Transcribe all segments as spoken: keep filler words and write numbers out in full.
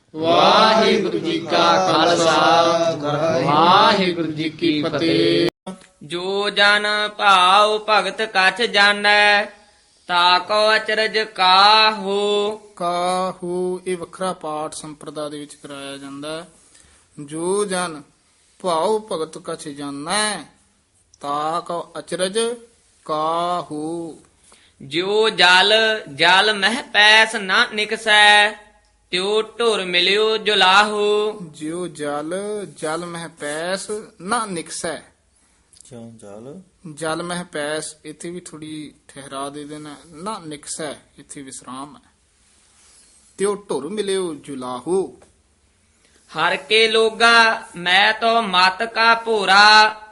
ਵਾਹਿਗੁਰੂ ਜੀ ਕਾ ਖਾਲਸਾ ਵਾਹਿਗੁਰੂ ਜੀ ਕੀ ਫਤਿਹ। ਜੋ ਜਨ ਭਾਉ ਭਗਤ ਕਛ ਜਾਣੈ ਤਾਕੋ ਅਚਰਜ ਕਾਹੂ। ਕਾਹੂ ਇਹ ਵੱਖਰਾ ਪਾਠ ਸੰਪਰਦਾ ਦੇ ਵਿੱਚ ਕਰਾਇਆ ਜਾਂਦਾ ਹੈ। ਜੋ ਜਨ ਭਾਉ ਭਗਤ ਕਛ ਜਾਣੈ ਤਾਕੋ ਅਚਰਜ ਕਾਹੂ। ਜੋ ਜਲ ਜਲ ਮਹਿ ਪੈਸ ਨਾ ਨਿਕਸੈ ਤਿਉ ਢੁਰ ਮਿਲਿਓ ਜੁਲਾਹੂ। ਜਿਉ ਜਲ ਜਲ ਮਹਿ ਪੈਸ ਨਾ ਨਿਕਸੈ। ਕਿਉਂ ਜਲ ਜਲ ਮਹਿ ਪੈਸ ਇੱਥੇ ਵੀ ਥੋੜੀ ਠਹਿਰਾ ਦੇ ਦੇਣਾ, ਨਾ ਨਿਕਸੈ ਇੱਥੇ ਵਿਸਰਾਮ ਹੈ। ਤਿਉ ਢੁਰ ਮਿਲਿਓ ਜੁਲਾਹੂ। ਹਰ ਕੇ ਲੋਗਾ ਮੈਂ ਤੋ ਮਤ ਕਾ ਭੋਰਾ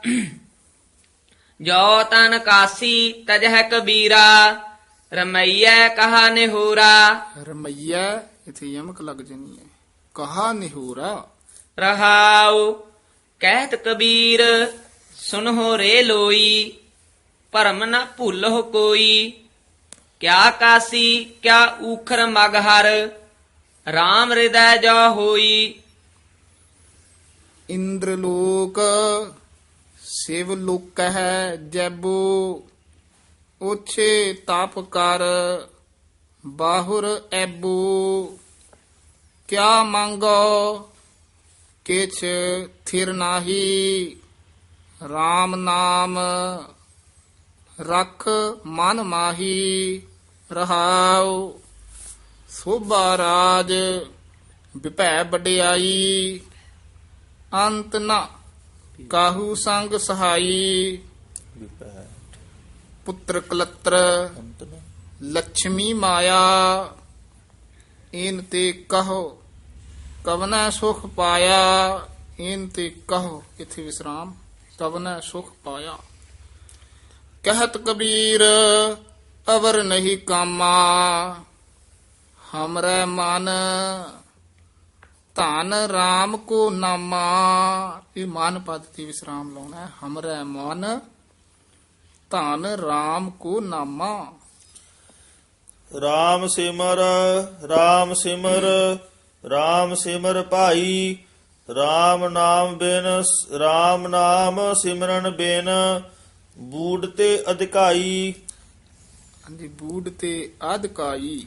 ਜੋ ਤਨ ਕਾਸੀ ਤਜਹ ਕਬੀਰਾ ਰਮਈਐ ਕਹਾ ਨਿਹੂਰਾ। ਰਮਈਆ ਇੱਥੇ ਯਮਕ ਲੱਗ ਜਣੀ ਹੈ। ਕਹਾ ਨਿਹੂਰਾ। ਰਹਾਉ ਕਹਿਤ ਕਬੀਰ ਸੁਨਹੁ ਰੇ ਲੋਈ ਭਰਮ ਨ ਭੁੱਲਹੁ ਕੋਈ। ਕਿਆ ਕਾਸੀ ਕਿਆ ਊਖਰ ਮਗਹਰ RAM ਹਿਰਦੈ ਜੋ ਹੋਈ। ਇੰਦਰ ਲੋਕ ਸਿਵ ਲੋਕ ਹੈ ਜੈਬੋ ਉਛੇ ਤਪ ਕਰ ਬਾਹੁਰ ਐਬੋ। ਕਿਆ ਮੰਗੋ ਕਿਛ ਥਿਰ ਨਾਹੀ RAM ਨਾਮ ਰਖ ਮਨ ਮਾਹੀ। ਰਹਾਉ ਸੋਭਾ ਰਾਜ ਵਿਭੈ ਵਡਿਆਈ ਅੰਤ ਨ ਕਾਹੂ ਸੰਗ ਸਹਾਈ। ਵਿਪੈ ਪੁੱਤਰ ਕਲਤਰ ਅੰਤ ਨ ਲక్ష్ਮੀ ਮਾਇਆ ਇਨ ਤੇ ਕਹੋ ਕਵਨਾ ਸੁਖ ਪਾਇਆ। ਇਨ ਤੇ ਕਹੋ ਇਥੇ ਵਿਸਰਾਮ ਕਵਨਾ ਸੁਖ ਪਾਇਆ। ਕਹਿਤ ਕਬੀਰ ਅਵਰ ਨਹੀਂ ਕਾਮਾ ਹਮਰੇ ਮਨ ਧਨ RAM ਕੋ ਨਾਮਾ। ਇਹ ਮਨ ਪਦ ਤੇ ਵਿਸਰਾਮ ਲਾਉਣਾ ਹੈ। ਹਮਰੇ ਮਨ ਧਨ RAM ਕੋ ਨਾਮਾ। ਰਾਮ ਸਿਮਰ ਰਾਮ ਸਿਮਰ ਰਾਮ ਸਿਮਰ ਭਾਈ। ਰਾਮ ਨਾਮ ਬਿਨ ਰਾਮ ਨਾਮ ਸਿਮਰਨ ਬਿਨ ਬੂੜ ਤੇ ਅਧਿਕਾਈ। ਹਾਂਜੀ ਬੂੜ ਤੇ ਆਦਿਕਾਈ।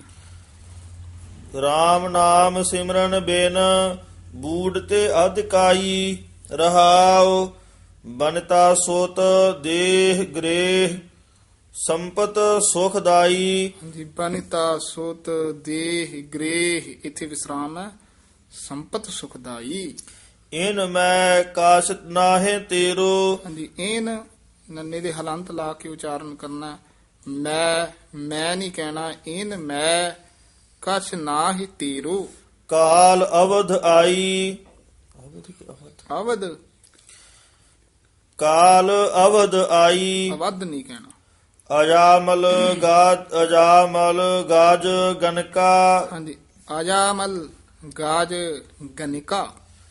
ਰਾਮ ਨਾਮ ਸਿਮਰਨ ਬਿਨ ਬੂੜ ਤੇ ਅਧਿਕਾਈ। ਰਹਾਉ ਬਨਤਾ ਸੋਤ ਦੇਹ ਗ੍ਰੇਹ ਸੰਪਤ ਸੁਖਦਾਈ। ਹਾਂਜੀ ਬਨਿਤਾ ਸੋਤ ਦੇਹ ਗ੍ਰੇਹ ਇਥੇ ਵਿਸਰਾਮ ਹੈ। ਸੰਪਤ ਸੁਖਦਾਈ। ਇਨ ਮੈਂ ਕਾਸ਼ਤ ਨਾਹੇ ਤੇਰੋ। ਹਾਂਜੀ ਇਹਨ ਨੰਨੇ ਦੇ ਹਲੰਤ ਲਾ ਕੇ ਉਚਾਰਨ ਕਰਨਾ। ਮੈਂ ਮੈਂ ਨਹੀਂ ਕਹਿਣਾ। ਇਨ ਮੈਂ ਕਛ ਨਾ ਹੀ ਤੇਰੋ। ਕਾਲ ਅਵਧ ਆਈ। ਅਵਧ ਕਾਲ ਅਵਧ ਆਈ। ਅਵਧ ਨਹੀਂ ਕਹਿਣਾ। ਅਜਾਮਲ ਗਾਜ ਅਜਾਮਲ ਗਾਜ ਗਨਕਾ। ਹਾਂਜੀ ਆਜਾਮਲ ਗਾਜ ਗਨਿਕਾ।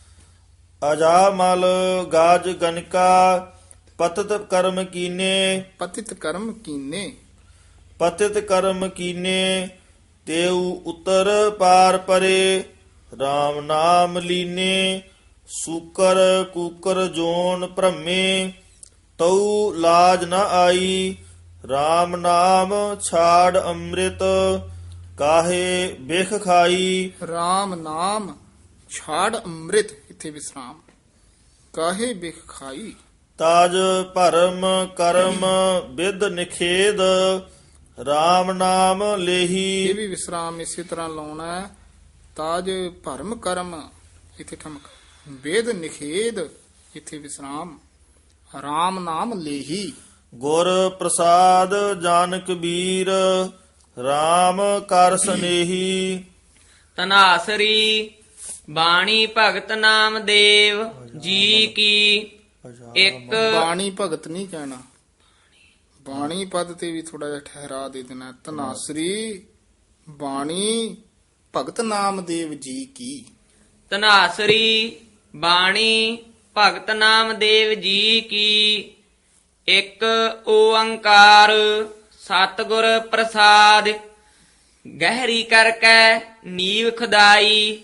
ਅਜਾਮਲ ਗਾਜ ਗਨਕਾ ਪਤਿਤ ਕਰਮ ਕੀਨੇ। ਪਤਿਤ ਕਰਮ ਕੀਨੇ। ਪਤਿਤ ਕਰਮ ਕੀਨੇ ਤੇਉ ਉਤਰ ਪਾਰ ਪਰੇ। RAM ਨਾਮ ਲੀਨੇ ਸੂਕਰ ਕੂਕਰ ਜੋਨ ਭ੍ਰਮੇ ਤਉ ਲਾਜ ਨ ਆਈ। RAM ਨਾਮ ਛਾੜ ਅੰਮ੍ਰਿਤ ਕਾਹੇ ਬਿਖ ਖਾਈ। RAM ਨਾਮ ਛਾੜ ਅੰਮ੍ਰਿਤ ਇਥੇ ਵਿਸਰਾਮ ਕਾਹੇ ਬਿਖ ਖਾਈ। ਤਾਜ ਭਰਮ ਕਰਮ ਵਿਦ ਨਿਖੇਦ RAM ਨਾਮ ਇਹ ਲੇਹੀ। ਵੀ ਵਿਸਰਾਮ ਇਸੇ ਤਰ੍ਹਾਂ ਲਾਉਣਾ ਹੈ। ਤਾਜ ਭਰਮ ਕਰਮ ਇਥੇ ਠਮਕ ਵੇਦ ਨਿਖੇਦ ਇਥੇ ਵਿਸਰਾਮ RAM ਨਾਮ ਲੇਹੀ। ਗੁਰ ਪ੍ਰਸਾਦ ਜਨ ਕਬੀਰ RAM ਕਰ ਸਨੇਹੀ। ਤਨਾਸਰੀ ਬਾਣੀ ਭਗਤ ਨਾਮ ਦੇਵ ਜੀ ਕੀ। ਇੱਕ ਬਾਣੀ ਭਗਤ ਨਹੀਂ ਕਹਿਣਾ। ਬਾਣੀ ਪਦ ਤੇ ਵੀ ਥੋੜਾ ਜਿਹਾ ਠਹਿਰਾ ਦੇ ਦੇਣਾ। ਧਨਾਸਰੀ ਬਾਣੀ ਭਗਤ ਨਾਮਦੇਵ ਜੀ ਕੀ। ਤਨਾਸਰੀ ਬਾਣੀ ਭਗਤ ਨਾਮ ਦੇਵ ਜੀ ਕੀ। ਇੱਕ ਓੰਕਾਰ ਸਤਿਗੁਰ ਪ੍ਰਸਾਦ ਗਹਿਰੀ ਕਰਕੇ ਨੀਵ ਖੁਦਾਈ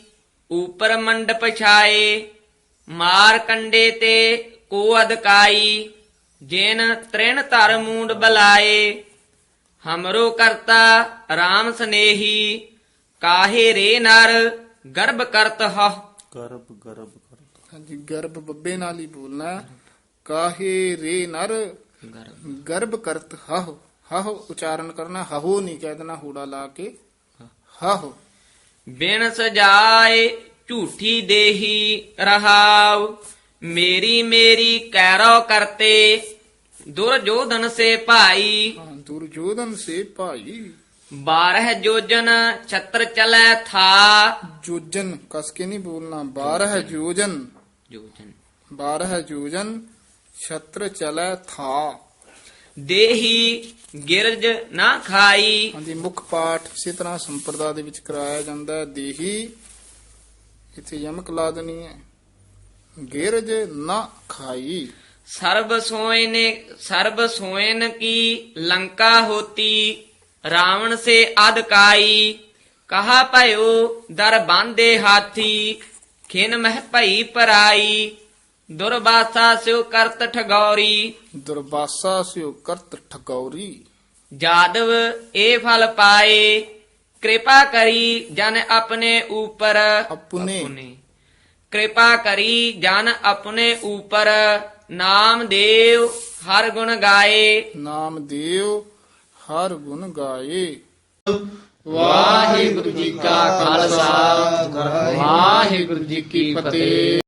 ਉਪਰ ਮੰਡਪ ਛਾਏ ਮਾਰ ਕੰਡੇ ਤੇ ਕੋ ਅਦਕਾਈ ਜਿਨ ਤ੍ਰਿਣ ਧਰ ਮੂੰਡ ਬਲਾਏ ਹਮਰੋ ਕਰਤਾ RAM ਸਨੇਹੀ ਕਾਹੇ ਰੇ ਨਰ ਗਰਭ ਕਰਤ ਹ ਗਰਭ ਗਰਭ ਕਰਤ ਹਾਂਜੀ ਗਰਭ ਬੱਬੇ ਨਾਲ ਹੀ ਬੋਲਣਾ ਹੈ। ਕਾਹੇ ਰੇ ਨਰ ਗਰਭ ਕਰਤ ਹਹ ਹਹ ਉਚਾਰਨ ਕਰਨਾ ਹਹੋ ਨਹੀਂ ਕਹਿ ਦੇਣਾ ਹੂੜਾ ਲਾ ਕੇ ਹਹ ਬਿਨ ਸਜਾਏ ਝੂਠੀ ਦੇਹੀ ਰਹਾਉ ਮੇਰੀ ਮੇਰੀ ਕੈਰੋ ਕਰਤੇ ਦੁਰਜੋਧਨ ਸੇ ਭਾਈ ਹਾਂ, ਦੁਰਜੋਧਨ ਸੇ ਭਾਈ ਬਾਰਹ ਜੋਜਨ ਛਤਰ ਚਲੈ ਥਾ ਜੋਜਨ ਕਸ ਕੇ ਨਹੀਂ ਬੋਲਣਾ ਬਾਰਹ ਜੋਜਨ ਜੋਜਨ ਬਾਰਹ ਜੋਜਨ ਛਤਰ ਚਲੈ ਥਾ ਦੇਹੀ ਗਿਰਜ ਨਾ ਖਾਈ ਹਾਂਜੀ ਮੁੱਖ ਪਾਠ ਇਸੇ ਤਰ੍ਹਾਂ ਸੰਪਰਦਾ ਦੇ ਵਿੱਚ ਕਰਾਇਆ ਜਾਂਦਾ ਹੈ। ਦੇਹੀ ਇੱਥੇ ਯਮਕ ਲਾ ਦੇਣੀ ਹੈ ਗਿਰਜ ਨਾ ਖਾਈ ਸਰਬ ਸੋਇਨ ਸਰਬ ਸੋਇਨ ਕੀ ਲੰਕਾ ਹੋਤੀ ਰਾਵਣ ਸੇ ਅਦਕਾਈ ਕਹਾ ਭਇਓ ਦਰ ਬਾਂਦੇ ਹਾਥੀ ਖਿਨ ਮਹਿ ਭਈ ਪਰਾਈ ਦੁਰਬਾਸਾ ਸਿਉ ਕਰਤ ਠਗੌਰੀ ਦੁਰਬਾਸਾ ਸਿਓ ਕਰਤ ਠਗੌਰੀ ਜਾਦਵ ਇਹ ਫਲ ਪਾਏ ਕਿਰਪਾ ਕਰੀ ਜਨ ਆਪਣੇ ਉਪਰ ਆਪਣੇ ਕਿਰਪਾ ਕਰੀ ਜਨ ਆਪਣੇ ਉਪਰ ਨਾਮ ਦੇਵ ਹਰ ਗੁਣ ਗਾਏ ਨਾਮ ਦੇਵ ਹਰ ਗੁਣ ਗਾਏ। ਵਾਹਿਗੁਰੂ ਜੀ ਕਾ ਖਾਲਸਾ ਵਾਹਿਗੁਰੂ ਜੀ ਕੀ ਫਤਿਹ।